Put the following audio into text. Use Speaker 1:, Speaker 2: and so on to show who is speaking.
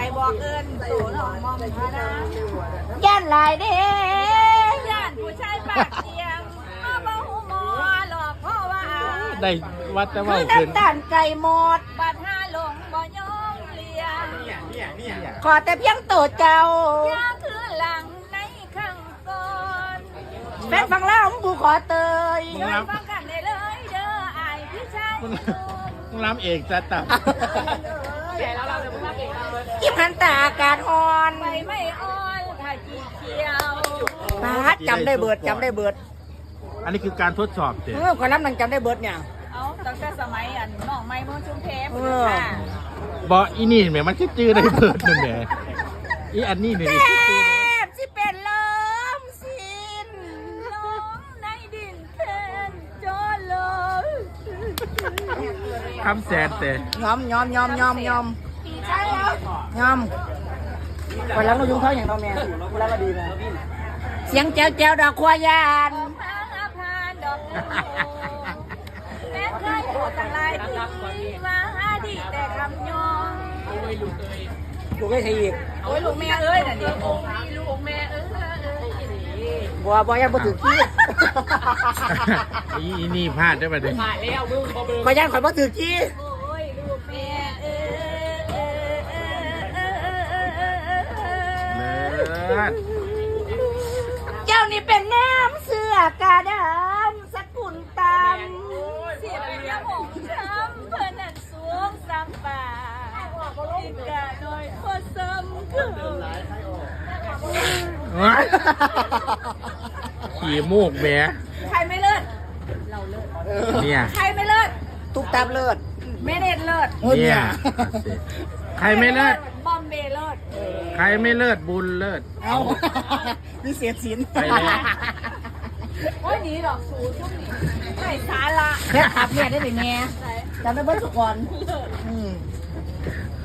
Speaker 1: บอกเอิญสู่น้องมอมพานา
Speaker 2: ย่านลายเด้
Speaker 1: ย่านผู้ชายปากเทียมมาบ่หูหมอหลอกพ่อว่า
Speaker 3: ได้วัดแต่
Speaker 2: คื
Speaker 3: ว่า
Speaker 2: อ
Speaker 3: ขึ้น
Speaker 2: น้ำตาลไก่หมด
Speaker 1: บัดห้าหลงบ่ยอมเลียง
Speaker 2: ขอแต่เพียงโตเจ้า
Speaker 1: ยาคือหลังในข้างก่อน
Speaker 2: แฟนฟังแล้วกูขอเตย
Speaker 1: เดินฟังกันได้เลยเด้ออายพี่ชาย
Speaker 3: มึงรับเองจะตับ
Speaker 2: กิมหันตาอากาศอ่อน
Speaker 1: ไปไม่อ่อนถ้าจีเขียว
Speaker 2: ปาดจำได้เบิดจำได้เบิด
Speaker 3: อันนี้คือการทดสอบเจ๊
Speaker 2: ขอน้ำนังจำได้เบิดเนี่ย
Speaker 1: เอาตั้งแต่สมัยอันน้องไม้เมืองชุมเพชร
Speaker 2: เออ
Speaker 1: ค่ะ
Speaker 3: บอกอีนี่แหมมันคิดจื้อได้เบิดนั่นแหละอีอันนี้เนี่ย
Speaker 2: แท
Speaker 3: คิดจื้อบ
Speaker 2: สิเป็นลมสิ้น
Speaker 1: น้องในดินแทนจอเลย
Speaker 3: คำแสนแต่
Speaker 2: ยอม
Speaker 1: พี่ชายแล้ว
Speaker 2: ไปแล้วเรายุ่งเขาอย่างเราแม่เวลาเราดีนะเสียงแจ้วแจ้วดอกควายาน
Speaker 1: พาพานดอกบัวแม้เคยโหดตั้งหลายทีว่าดีแต่คำยอง
Speaker 2: ดูไม่ใช่อีก
Speaker 1: โอ้ยลูกแม่เอ้ยน่ะดิลูกแม่เอ้ย
Speaker 2: บัวยังบ่ถึงที่
Speaker 3: อีนี่พลาดได้ปะเนี่ย
Speaker 2: ขอยันขอยบ่ถึงที่
Speaker 1: โอ้ยลูกแม่เอ้ย
Speaker 3: เลิศ
Speaker 2: เจ้านี่เป็นน้ำเสือกาดำสกุลต
Speaker 1: เสียงยาหมองช้ำเพื่อนนั่นสวงซ้ำป่าอีกกะหน่อยพอซ้ำคือ
Speaker 3: ขี่มูกแหม
Speaker 1: ใครไม่เลิศ
Speaker 3: เนี่ย
Speaker 1: ใครไม่เลิศ
Speaker 2: ำตุกตามเลิศ
Speaker 1: เมเนตเลิศ
Speaker 3: เนี่ยใครไม่เลิศ
Speaker 1: บอมเบย์เลิศ
Speaker 3: ใครไม่เลิศบุญเลิศ
Speaker 2: เอาวิเศษศิลป์
Speaker 3: ไปแล้ว
Speaker 1: โอ้ยหนีดอกสูช่วงนี้ไม่สาระ
Speaker 2: แค่ขับเนี่ยได้ไหมแม่จำได้เบิ้ลสุกร